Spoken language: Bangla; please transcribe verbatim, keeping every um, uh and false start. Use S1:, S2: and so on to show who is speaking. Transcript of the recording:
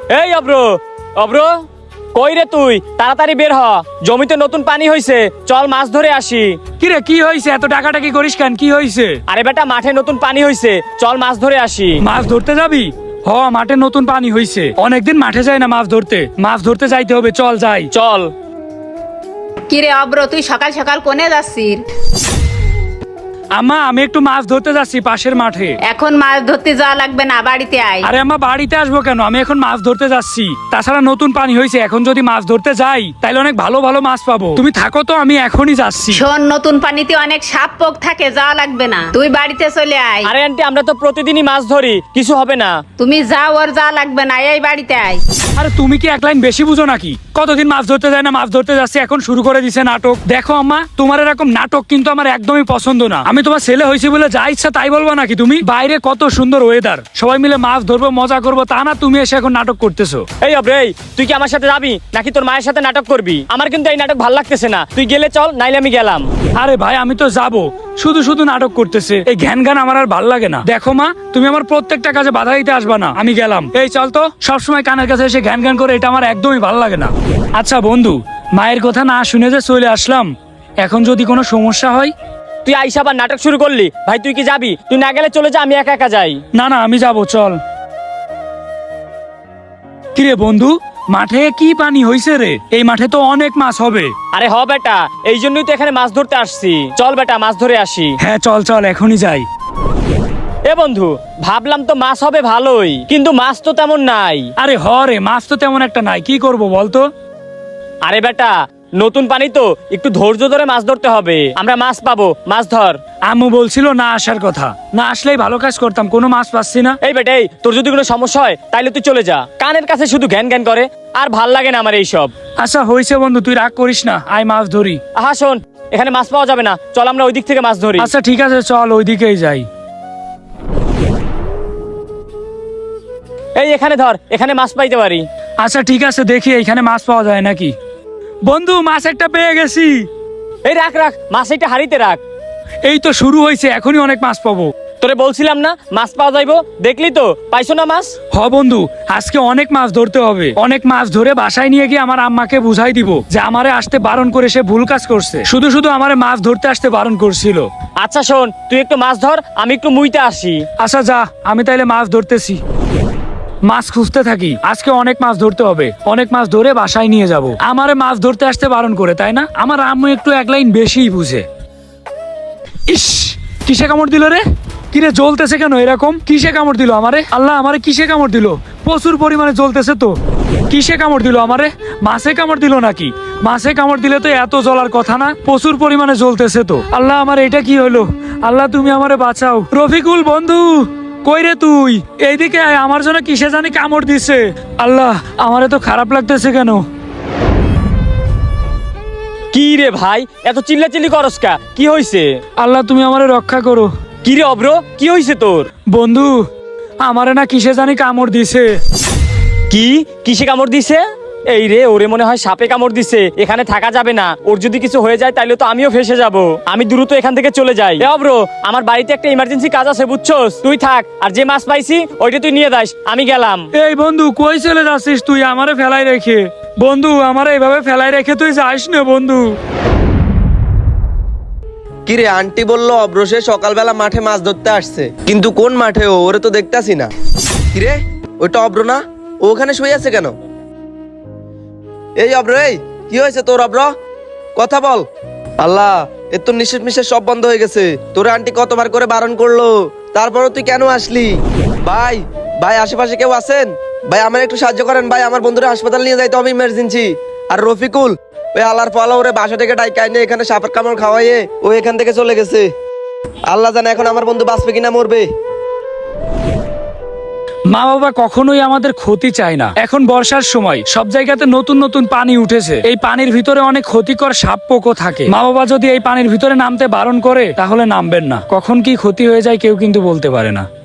S1: এই অব্র, অব্র কই রে তুই? তাড়াতাড়ি বের হ, জমিতে নতুন পানি হইছে, চল মাছ ধরে আসি।
S2: কিরে কি হইছে? এত টাকাটাকি করিস কেন? কি হইছে?
S1: আরে বেটা মাঠে নতুন পানি হইছে, চল মাছ ধরে আসি।
S2: মাছ ধরতে যাবি? হ, মাঠে নতুন পানি হইছে, অনেকদিন মাঠে যাই না মাছ ধরতে। মাছ ধরতে যাইতে হবে, চল যাই।
S1: চল।
S3: কিরে অব্র, তুই সকাল সকাল কোনে যাচ্ছিস?
S2: আম্মা, আমি একটু মাছ ধরতে যাচ্ছি পাশের মাঠে।
S3: এখন মাছ ধরতে যাওয়া লাগবে না, বাড়িতে আয়।
S2: আরে আম্মা, বাড়িতে আসবো কেন? আমি এখন মাছ ধরতে যাচ্ছি। তাছাড়া নতুন পানি হয়েছে, এখন যদি মাছ ধরতে যাই তাহলে অনেক ভালো ভালো মাছ পাবো। তুমি থাকো তো, আমি এখনই যাচ্ছি।
S3: শোন, নতুন পানিতে অনেক সাপ পোক থাকে, যাওয়া লাগবে না, তুই বাড়িতে চলে আয়।
S1: আরে আন্টি, আমরা তো প্রতিদিনই মাছ ধরি, কিছু হবে না।
S3: তুমি যাও, আর যাওয়া লাগবে না, এই বাড়িতে আয়।
S2: আরে তুমি কি এক লাইন বেশি বুঝো নাকি? কতদিন মাছ ধরতে যায় না, মাছ ধরতে যাচ্ছে, এখন শুরু করে দিছে নাটক। দেখো আম্মা, তোমার এরকম নাটক কিন্তু আমার একদমই পছন্দ না। আমি তোমার ছেলে হয়েছি বলে যা ইচ্ছা তাই বলবো নাকি? তুমি বাইরে কত সুন্দর ওয়েদার, সবাই মিলে মাছ ধরবো, মজা করবো, তা না তুমি এসে এখন নাটক করতেছো।
S1: এই অব্র, এই তুই কি আমার সাথে যাবি নাকি তোর মায়ের সাথে নাটক করবি? আমার কিন্তু এই নাটক ভাল লাগতেছে না, তুই গেলে চল, নাইলে আমি গেলাম।
S2: আরে ভাই, আমি তো যাবো, শুধু শুধু নাটক করতেছে, এই ঘ্যান ঘ্যান আমার আর ভাল লাগে না। দেখো মা, তুমি আমার প্রত্যেকটা কাজে বাধা দিতে আসবা না, আমি গেলাম। এই চল তো, সবসময় কানের কাছে এসে ঘ্যান ঘ্যান করে, এটা আমার একদমই ভাল লাগে না। আচ্ছা বন্ধু, মায়ের কথা না শুনে যে চলে আসলাম, এখন যদি কোনো সমস্যা হয়?
S1: তুই আইসা আবার নাটক শুরু করলি। ভাই তুই কি যাবি? তুই না গেলে চলে যা, আমি একা একা যাই।
S2: না না, আমি যাবো, চল। কিরে বন্ধু, মাঠে কি পানি হইছে রে? এই মাঠে তো অনেক মাছ হবে।
S1: আরে হ বেটা, এই জন্যই তো এখানে মাছ ধরতে আসছি। চল বেটা, মাছ ধরে আসি।
S2: হ্যাঁ চল চল, এখনই যাই।
S1: এ বন্ধু, ভাবলাম তো মাছ হবে ভালোই, কিন্তু মাছ তো তেমন নাই।
S2: আরে হ রে, মাছ তো তেমন একটা নাই, কি করব বলতো?
S1: আরে বেটা, নতুন পানি তো, একটু ধৈর্য ধরে মাছ ধরতে হবে, আমরা মাছ পাবো, মাছ ধর।
S2: আম্মু বলছিল না আসার কথা, না আসলেই ভালো কাজ করতাম, কোনো মাছ পাচ্ছি না।
S1: এই বেটা, এই তোর যদি কোনো সমস্যা হয় তাইলে তুই চলে যা, কানের কাছে শুধু জ্ঞান জ্ঞান করে, আর ভাল লাগে না আমার এইসব।
S2: আচ্ছা হয়েছে বন্ধু, তুই রাগ করিস না, আয় মাছ ধরি।
S1: আহা শোন, এখানে মাছ পাওয়া যাবে না, চল আমরা ওই দিক থেকে মাছ ধরি।
S2: আচ্ছা ঠিক আছে, চল ওইদিকেই যাই।
S1: এই এখানে ধর, এখানে মাছ পাইতে পারি।
S2: আচ্ছা ঠিক আছে, দেখি এইখানে মাছ পাওয়া যায় নাকি। বন্ধু, মাছ একটা পেয়ে গেছি।
S1: এই রাখ রাখ, মাছ এটা হাড়িতে রাখ।
S2: এই তো শুরু হয়েছে, এখনই অনেক মাছ পাবো।
S1: তোরে বলছিলাম না মাছ পাওয়া যাইবো, দেখলি তো, পাইছো না মাছ?
S2: হ বন্ধু, আজকে অনেক মাছ ধরতে হবে, অনেক মাছ ধরে বাসায় নিয়ে গিয়ে আমার আম্মাকে বুঝাই দিব যে আমারে আসতে বারণ করে সে ভুল কাজ করছে, শুধু শুধু আমারে মাছ ধরতে আসতে বারণ করছিল।
S1: আচ্ছা শোন, তুই একটু মাছ ধর, আমি একটু মুইতে আসি।
S2: আচ্ছা যা, আমি তাইলে মাছ ধরতেছি। মাছ খুঁজতে থাকি, আজকে অনেক মাছ ধরতে হবে, অনেক মাছ ধরে বাসায় নিয়ে যাব। আমারে মাছ ধরতে আসতে বারণ করে, তাই না? আমার আম্মু একটু এক লাইন বেশিই বুঝে। ইস, কিসে কামড় দিল রে? কিরে জ্বলতেছে কেন এরকম? কিসে কামড় দিল আমারে? আল্লাহ, আমারে কিসে কামড় দিল? প্রচুর পরিমাণে জ্বলতেছে তো। কিসে কামড় দিল আমারে? মাছে কামড় দিল নাকি? মাছে কামড় দিলে তো এত জ্বলার কথা না, প্রচুর পরিমাণে জ্বলতেছে তো। আল্লাহ, আমার এটা কি হলো? আল্লাহ তুমি আমারে বাঁচাও। রফিকুল বন্ধু, কই রে তুই? এইদিকে আয়, আমার জন্য কিসে জানি কামড় দিছে। আল্লাহ, আমারে তো খারাপ লাগতেছে কেন?
S1: কি রে ভাই, এত চিল্লাচিল্লি করস কা? কি হইছে?
S2: আল্লাহ তুমি আমারে রক্ষা করো।
S1: কি রে অব্র, কি হইছে তোর?
S2: বন্ধু, আমারে না কিসে জানি কামড় দিছে।
S1: কি কিসে কামড় দিছে? এই রে, ওরে মনে হয় সাপে কামড় দিছে, এখানে থাকা যাবে না, ওর যদি কিছু হয়ে যায় তাহলে তো আমিও ফেসে যাব। আমি দ্রুত এখান থেকে চলে যাই। এ অব্র, আমার বাড়িতে একটা ইমার্জেন্সি কাজ আছে বুঝছস, তুই থাক, আর যে মাছ পাইছি ওইটা তুই নিয়ে যাস, আমি গেলাম।
S2: এই বন্ধু, কই চলে যাচ্ছিস তুই আমারে ফেলাই রেখে? বন্ধু, আমারে এইভাবে ফেলাই রেখে তুই যাস না বন্ধু।
S4: কিরে, আন্টি বললো অব্রসে সকালবেলা মাঠে মাছ ধরতে আসছে, কিন্তু কোন মাঠে ও? ওরে তো দেখতাছি না। কিরে, ওইটা অব্র না? ও ওখানে শুয়ে আছে কেন? এই অব্র, এই কি হয়েছে তোর? অব্র, কথা বল। আল্লাহ, এর তো নিঃশ্বাস মিশ্বাস সব বন্ধ হয়ে গেছে। তোর আন্টি কতবার করে বারণ করলো, তারপরও তুই কেন আসলি? ভাই ভাই, আশেপাশে কেউ আছেন? ভাই আমার একটু সাহায্য করেন ভাই, আমার বন্ধুরা হাসপাতাল নিয়ে যাইতে হবে ইমার্জেন্সি। আর রফিকুল, ওই আল্লাহর ফলা ওরে বাসা থেকে ডাইকা এনে এখানে সাপের কামড় খাওয়াইয়ে ও এখান থেকে চলে গেছে। আল্লাহ জানে এখন আমার বন্ধু বাঁচবে কিনা মরবে।
S2: মা বাবা কখনোই আমাদের ক্ষতি চায় না। এখন বর্ষার সময় সব জায়গাতে নতুন নতুন পানি উঠেছে, এই পানির ভিতরে অনেক ক্ষতিকর সাপ পোকও থাকে। মা বাবা যদি এই পানির ভিতরে নামতে বারণ করে তাহলে নামবেন না, কখন কি ক্ষতি হয়ে যায় কেউ কিন্তু বলতে পারে না।